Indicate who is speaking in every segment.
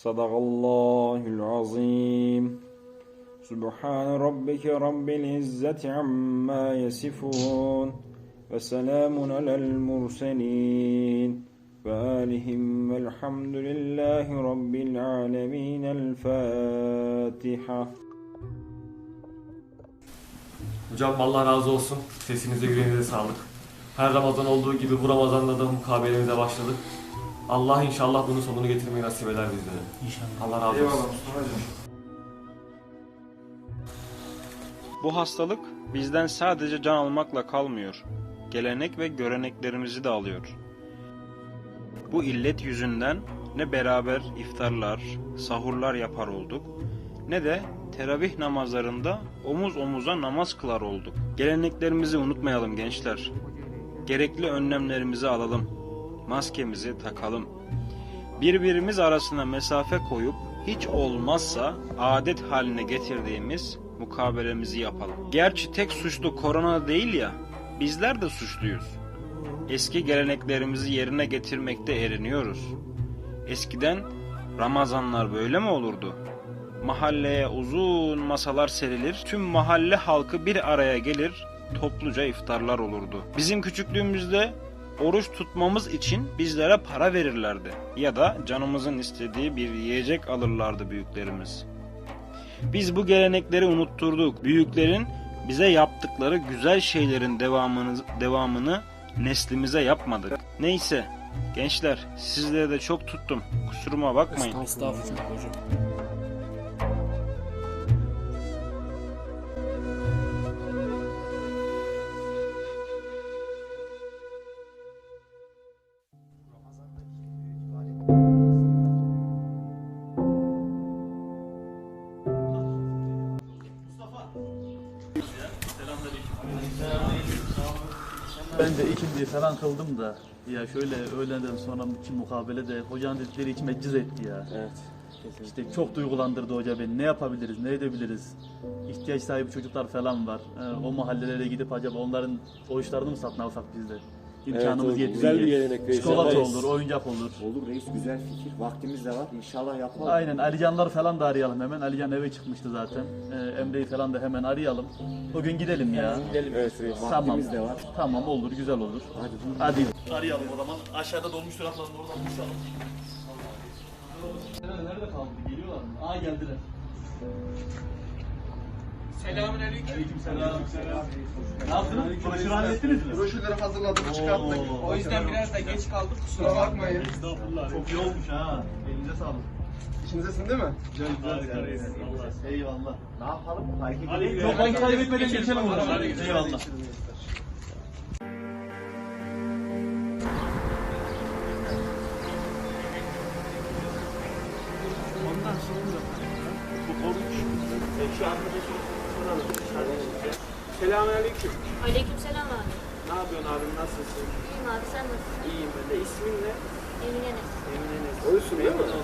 Speaker 1: Sadakallahul azim. Subhan rabbike rabbil izzati amma yasifun. Ve selamun alel murselin. Ve alihim velhamdülillahi rabbil alemin. El Fatiha.
Speaker 2: Hocam Allah razı olsun. Sesinize, yüreğinize sağlık. Her Ramazan olduğu gibi bu Ramazan'da da mukabelemize başladık. Allah inşallah bunun sonunu getirmeyi nasip eder bizlere.
Speaker 3: İnşallah.
Speaker 2: Allah razı olsun.
Speaker 4: Eyvallah Mustafa hocam.
Speaker 1: Bu hastalık bizden sadece can almakla kalmıyor. Gelenek ve göreneklerimizi de alıyor. Bu illet yüzünden ne beraber iftarlar, sahurlar yapar olduk, ne de teravih namazlarında omuz omuza namaz kılar olduk. Geleneklerimizi unutmayalım gençler. Gerekli önlemlerimizi alalım. Maskemizi takalım. Birbirimiz arasına mesafe koyup hiç olmazsa adet haline getirdiğimiz mukabelemizi yapalım. Gerçi tek suçlu korona değil ya, bizler de suçluyuz. Eski geleneklerimizi yerine getirmekte eriniyoruz. Eskiden Ramazanlar böyle mi olurdu? Mahalleye uzun masalar serilir, tüm mahalle halkı bir araya gelir, topluca iftarlar olurdu. Bizim küçüklüğümüzde oruç tutmamız için bizlere para verirlerdi ya da canımızın istediği bir yiyecek alırlardı büyüklerimiz. Biz bu gelenekleri unutturduk. Büyüklerin bize yaptıkları güzel şeylerin devamını neslimize yapmadık. Neyse gençler, sizleri de çok tuttum. Kusuruma bakmayın.
Speaker 3: Estağfurullah hocam.
Speaker 5: Ben de ikinci falan kıldım da ya şöyle öğleden sonraki mukabele de hocanın dedikleri içime cız etti ya.
Speaker 3: Evet.
Speaker 5: İşte çok duygulandırdı hoca beni. Ne yapabiliriz, ne edebiliriz? İhtiyaç sahibi çocuklar falan var. O mahallelere gidip acaba onların oruçlarını mı satın alsak biz de? İmkanımız
Speaker 3: Evet,
Speaker 5: yettiğince.
Speaker 3: güzel bir gelenek reis.
Speaker 5: Çikolata
Speaker 3: Yaparız.
Speaker 5: olur, oyuncak olur.
Speaker 6: Olur reis, güzel fikir. Vaktimiz de var. İnşallah yapalım.
Speaker 5: Aynen, Alicanlar falan da arayalım hemen. Alican eve çıkmıştı zaten. Emre'yi falan da hemen arayalım. O gün gidelim ya.
Speaker 3: Evet reis.
Speaker 5: Tamam.
Speaker 6: Vaktimiz de var.
Speaker 5: Tamam, olur, güzel olur.
Speaker 6: Hadi.
Speaker 5: Hadi. Arayalım o zaman. Aşağıda dolmuş duraklarını oradan buluşalım. Nerede kaldı? Geliyorlar mı? Aa, geldiler.
Speaker 4: Selamünaleyküm.
Speaker 5: Aleykümselam. Ne yaptınız? Broşürü hallettiniz mi?
Speaker 4: Broşürleri hazırladık, çıkarttık.
Speaker 5: Oo.
Speaker 4: O yüzden biraz da geç kaldık. Kusura bakmayın.
Speaker 5: Estağfurullah. Çok iyi olmuş ha. Elinize sağlık.
Speaker 4: İçinizesin değil mi?
Speaker 5: Harika reis. Eyvallah.
Speaker 6: Ne yapalım? Hareket
Speaker 5: Hadi
Speaker 6: edelim.
Speaker 5: çok vakit kaybetmeden geçelim o zaman.
Speaker 4: Hadi.
Speaker 5: Eyvallah.
Speaker 4: Ondan sonra bu oruç. Şu arkadaşım soralım. Selamünaleyküm.
Speaker 7: Aleykümselam abi.
Speaker 4: Ne yapıyorsun abim? Nasılsın?
Speaker 7: İyiyim abi, sen nasılsın?
Speaker 4: İyiyim ben de. İsmin ne?
Speaker 7: Emine Enes.
Speaker 4: Emine Enes. Oruçsun değil mi?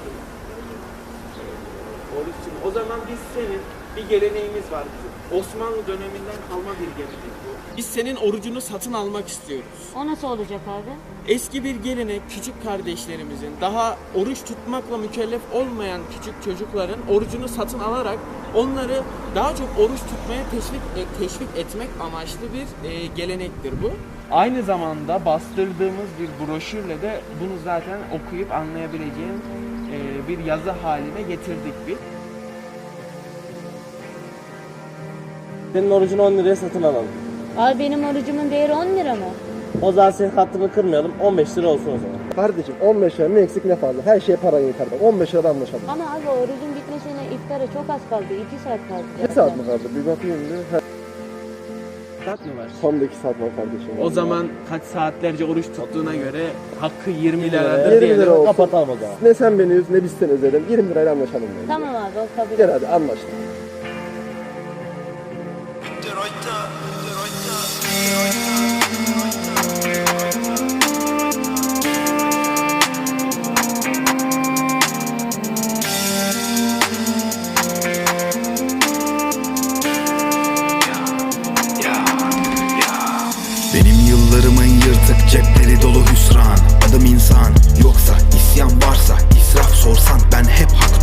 Speaker 4: Oruçsun. O zaman biz senin bir geleneğimiz var. Osmanlı döneminden kalma bir gelenek bu. Biz senin orucunu satın almak istiyoruz.
Speaker 7: O nasıl olacak abi?
Speaker 4: Eski bir gelenek, küçük kardeşlerimizin, daha oruç tutmakla mükellef olmayan küçük çocukların orucunu satın alarak onları daha çok oruç tutmaya teşvik etmek amaçlı bir gelenektir bu. Aynı zamanda bastırdığımız bir broşürle de bunu zaten okuyup anlayabileceğin bir yazı haline getirdik biz.
Speaker 3: Senin orucunu 10 liraya satın alalım.
Speaker 7: Abi benim orucumun değeri 10 lira mı?
Speaker 3: O zaman senin hattını kırmayalım. 15 lira olsun o zaman.
Speaker 8: Kardeşim 15 lira ne eksik ne fazla. Her şeye paran yeter. 15 lirada anlaşalım.
Speaker 7: Ama abi orucun bitmesine iftara çok az kaldı. 2 saat kaldı.
Speaker 8: Ne saat mi kaldı? Bir bakayım bir.
Speaker 4: Saat mi var?
Speaker 8: Son 2 saat var kardeşim.
Speaker 4: O zaman kaç saatlerce oruç tuttuğuna göre hakkı 20
Speaker 8: 20
Speaker 4: liradır diyelim.
Speaker 8: lira olsun.
Speaker 3: Kapatalım o zaman.
Speaker 8: Ne sen beni üz ne biz seni üzelim. 20 lirayla anlaşalım. Yani.
Speaker 7: Tamam abi, o kabul.
Speaker 8: Gel hadi anlaştık.
Speaker 9: Benim yıllarımın yırtık cepleri dolu hüsran. Adım insan, yoksa isyan varsa israf sorsan ben hep haklı.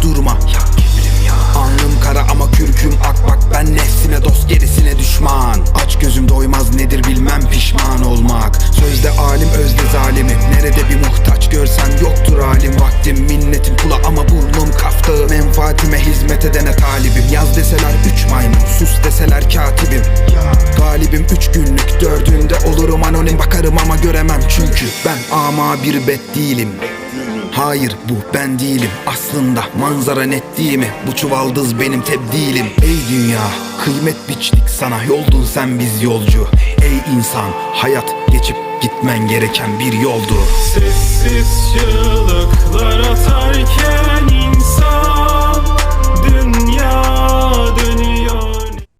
Speaker 9: Ben ama bir bet değilim. Hayır bu ben değilim. Aslında manzara net değil mi? Bu çuvaldız benim tebdilim. Ey dünya kıymet biçtik sana, yoldun sen biz yolcu. Ey insan hayat geçip gitmen gereken bir yoldu.
Speaker 10: Sessiz çığlıklar atarken